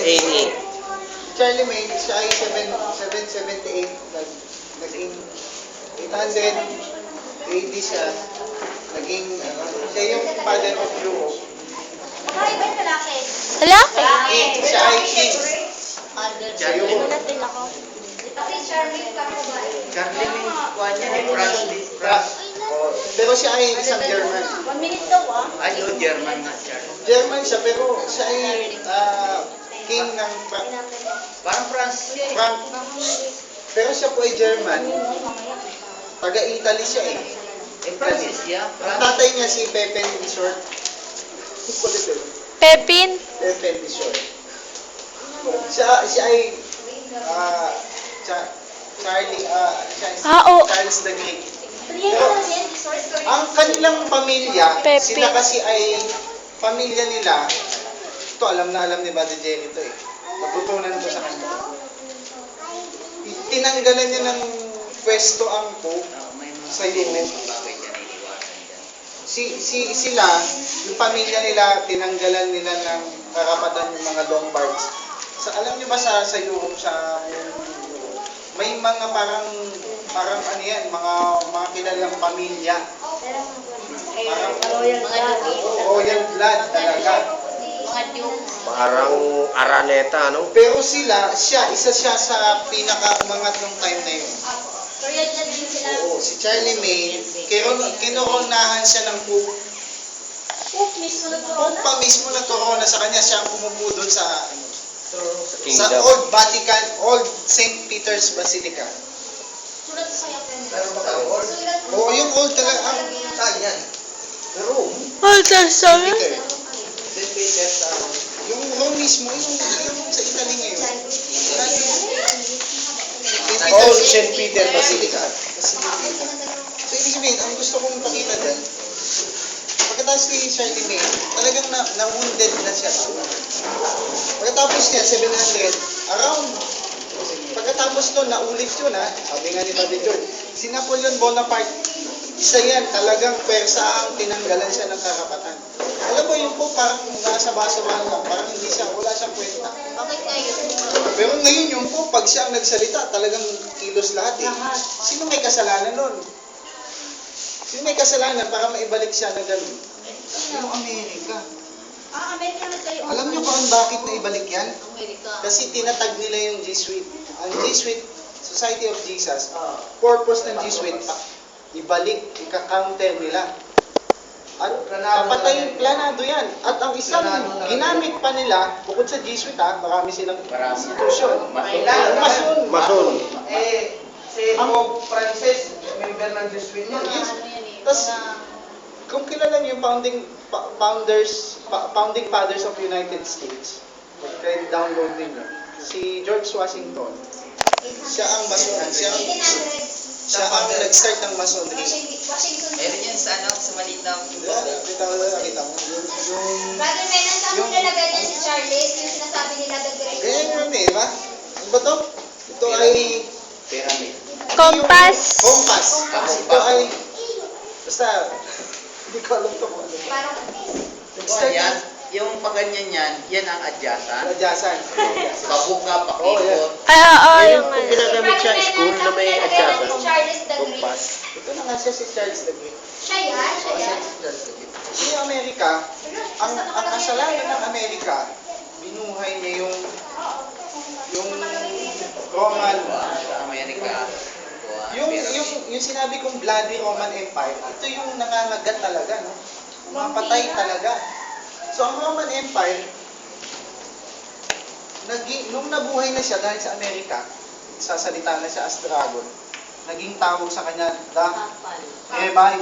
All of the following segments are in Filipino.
Amy. Charlie May, siya ay 778, naging 800 AD siya, naging, siya yung father of Europe. Ay, ba yung lalaki? Lalaki. Siya ay king. Sa Europe. Natin ako. Kasi Charlie ka po ba? Charlie May, kuha niya ni France. Pero siya ay isang German. 1 minute daw Ay, no, German nga, Charlie. German siya, pero siya ay king ng Parang France. Frank. Pero siya po ay German. Taga-Italy siya eh. Francis, yeah. Ang tatay niya si Pepin the Short. Kulit eh. Pepin. Pepin the Short. Siya ay Charlie, Charles the Great. Ang kanilang pamilya, Pepin. sila kasi ay pamilya nila. Ito, alam na alam ni Brother Jenny ito eh. Natutunan ko sa kanya. Tinanggalan niya ng pwesto ang Pope May mga sa Europe. bagay dyan, iniwasan dyan. Sila, yung pamilya nila, tinanggalan nila ng karapatan yung mga Lombards. Alam niyo ba sa Europe, may mga parang ano yan, mga kilalang pamilya. Parang royal blood talaga. Parang Araneta, no? Pero siya, isa siya sa pinaka-umangat ng time na yun. Korean na din sila. Oo, si Charlie May, kinoronahan siya ng Pope. Pope mismo na Pope pa mismo nagkorona sa kanya, siya ang pumupo doon sa Kingdom. Old Vatican, Old St. Peter's Basilica. Sulat sa kanya. Pero baka old. Oo, yung old talaga. Saan yan? Rome. Old Testament. Peter. St. Peter sa... Yung Rome mismo, yung sa Italy ngayon. Old St. Peter Basilica. Basilica. So, ibig sabihin, ang gusto kong pakita dyan, pagkatapos ni Charlie May, talagang na-wounded na siya. Pagkatapos niya, 700, pagkatapos nun, naulit yun ha, sabi nga ni Brother George, si Napoleon Bonaparte, isa yan, talagang persa ang tinanggalan siya ng karapatan. Alam mo, yung po parang nasa basa-basa lang, parang hindi siya, wala siyang kwenta. Bakit ngayon? Pero ngayon yung po, pag siya ang nagsalita, talagang kilos lahat eh. Sino may kasalanan nun? Sino may kasalanan para maibalik siya na gano'n? Yung Amerika. Amerika na kayo. Alam niyo kung bakit naibalik yan? Amerika. Kasi tinatag nila yung Jesuit. Ang Jesuit, Society of Jesus, purpose ng Jesuit, ibalik, ika-counter nila. At papatay, planado yan. At ang isang ginamit pa nila, bukod sa Jesuit marami silang institusyon. Mason. Si Pope Francis, member ng Jesuit niya. Yes. Tapos, kung kilala niyo yung founding fathers of United States, kaya download niyo, si George Washington, siya ang Mason, siya ang nag-start ng Masonry. Washington. Meron yan sa ano, sa maliit na... Nakita mo. Brother Menan, saan mo nilagay niya si Charles? Yung sinasabi nila the Great. Ganyan yun eh, ba? Ano ba to? Ito ay... Pyramid. Compass. Compass. Ito ay... Basta, hindi ko alam ito kung ano. Parang Nag-start Yan, ng yung paganyan yan, yan ang adyasan. Adyasan. Pabuka, Oh, yan. pakikot. Yung Kung ginagamit siya sa school na may adyasan. Charles the Great. Kompas. Ito na nga siya si Charles the Great. Siya yan, siya yan. Yung Amerika, ang kasalanan ng Amerika, binuhay niya yung Roman, Sa Amerika. yung sinabi kong bloody Roman Empire, ito yung nangangagat talaga, no? Mapatay talaga. So, ang Roman Empire, nung nabuhay na siya dahil sa Amerika, sasalita na siya as dragon, naging tawag sa kanya, the revive.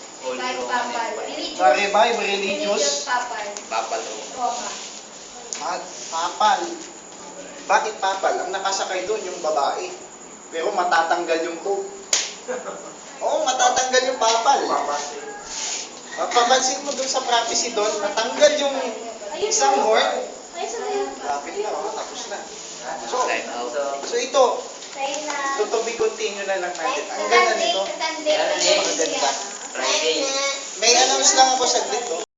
The revive, religious, Papalo. at papal. Bakit papal? Ang nakasakay doon yung babae. Pero matatanggal yung pope. Oo, matatanggal yung papal. Papansin mo doon sa prophecy doon, natanggal yung isang horn. Lapit na, tapos na. Time out. So ito, to be continue na lang natin. Ang ganda nito. Friday. May announce lang ako saglit.